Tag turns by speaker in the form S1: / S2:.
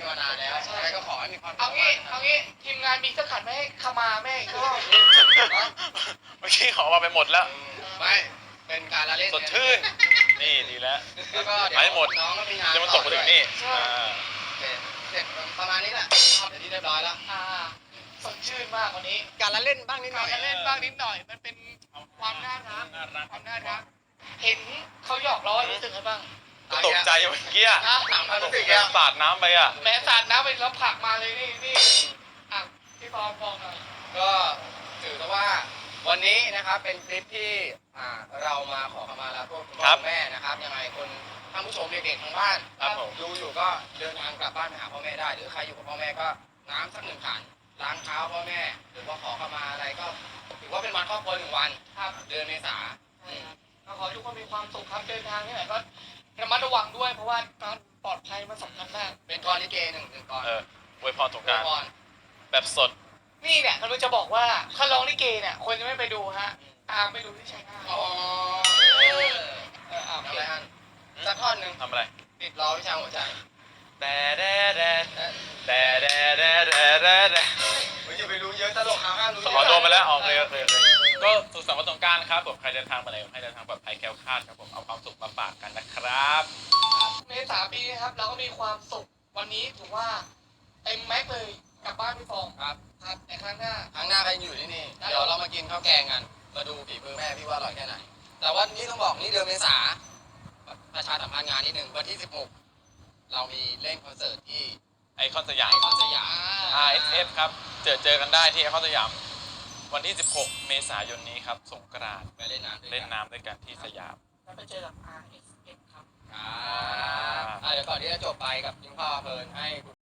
S1: มานานแล้วใช่ก็ขอให้มีความ
S2: เอางี้ทีมงานมีสักขันไม่ให้ขมาแม่อีกรอบ
S3: เมื่อกี้ขอมาไปหมดแล้ว
S1: ไม่เป็นการละเล่น
S3: สดชื่นนี่ดีแล้ว
S1: แล้วก็เดี๋ยว
S3: ไปหมด
S1: น้องก็มีงาน
S3: จะมาตกมาถึงนี่
S1: เสร็จประมาณนี้แหละเสร็จที่เรียบร้อยแล้ว
S2: สดชื่นมากวันนี้
S1: การละเล่นบ้างนิดหน่
S2: กา
S1: อย
S2: รเล่นบ้างนิดหน่อยมันเป็นความน่ารักความน่ารักเห็นเขาหยอกล้อรู้สึกไงบ้าง
S3: ก็ตกใจเมื่อกี้
S1: ถามความรู้สึก
S3: แกสาดน้ำไปอ่ะ
S2: แม้สาดน้ำไปแล้วผลักมาเลยนี่อ่ะพี่ฟอมบอกหน่อย
S1: ก็ถือว่าวันนี้นะครับเป็นคลิปที่เรามาขอขมาลาพวกคุณพ่อแม่นะครับยังไงคนท่านผู้ชมเด็กๆทางบ้าน
S3: ครับผม
S1: ดูอยู่ก็เดินทางกลับบ้านไปหาพ่อแม่ได้ หรือใครอยู่กับพ่อแม่ก็น้ำสัก1 ขันล้างเท้าพ่อแม่หรือว่าขอขมาอะไรก็ถือว่าเป็นวันครอบครัว1 วัน
S2: ครับ
S1: เดือนเมษา
S2: ก็ขอให้ทุกคนมีความสุขครับเดินทางที่ไหนก็ระมัดระวังด้วยเพราะว่าการปลอดภัยมันสำคัญมาก
S1: เป็นกรลิเกหนึ่งกร
S3: อวยพรสงกรานต์
S1: พร
S3: แบบสด
S2: นี่เนี่ยกำลังจะบอกว่าถ้าร้องลิเกเนี่ยคนจะไม่ไปดูฮะตามไปดูที่ชัยนาท
S1: อ๋อ
S2: เอา
S1: ทำอะไรฮะสักท่อนหนึ่ง
S3: ทำอะไร
S1: ติดล้อวิชาหัวใจ
S3: แต่
S1: อย่าไปรู้เยอะตลกห้ามรู้
S3: ขอโดนไปแล้วออกเลยก็สุขสันต์วันสงกรานต์ครับผมใครเดินทางมาไหนให้เดินทางปลอดภัยแคล้วคลาดครับผมเอาความสุขมาฝากกันนะครับ
S2: เมษาปีนี้ครับเราก็มีความสุขวันนี้ถือว่าเต็มแม็กเลยกลับบ้านพี่ฟอง
S1: ครับ
S2: ครับในครั้งหน้า
S1: ครั้งหน้าใครอยู่ที่นี่เดี๋ยวเรามากินข้าวแกงกันมาดูฝีมือแม่พี่ว่าอร่อยแค่ไหนแต่ว่านี่ต้องบอกนี่เดือนเมษาประชาสัมพันธ์งานนิดนึงวันที่16เรามีเล่นคอนเสิร์ตที่
S3: ไอคอนสยาม
S1: ไอคอนสยาม
S3: RSF ครับเจอกันได้ที่ไอคอนสยามวันที่ 16 เมษายนนี้ครับสงกรานต์
S1: ไปเล่นน้ำด้วย
S3: เล่น
S1: กัน
S3: น้ำด้วยกันที่สยาม
S2: แล้วไปเจอกับ RSF ครับ
S1: เดี๋ยวก่อนที่จะจบไปกับยิงพ่อเพลินให้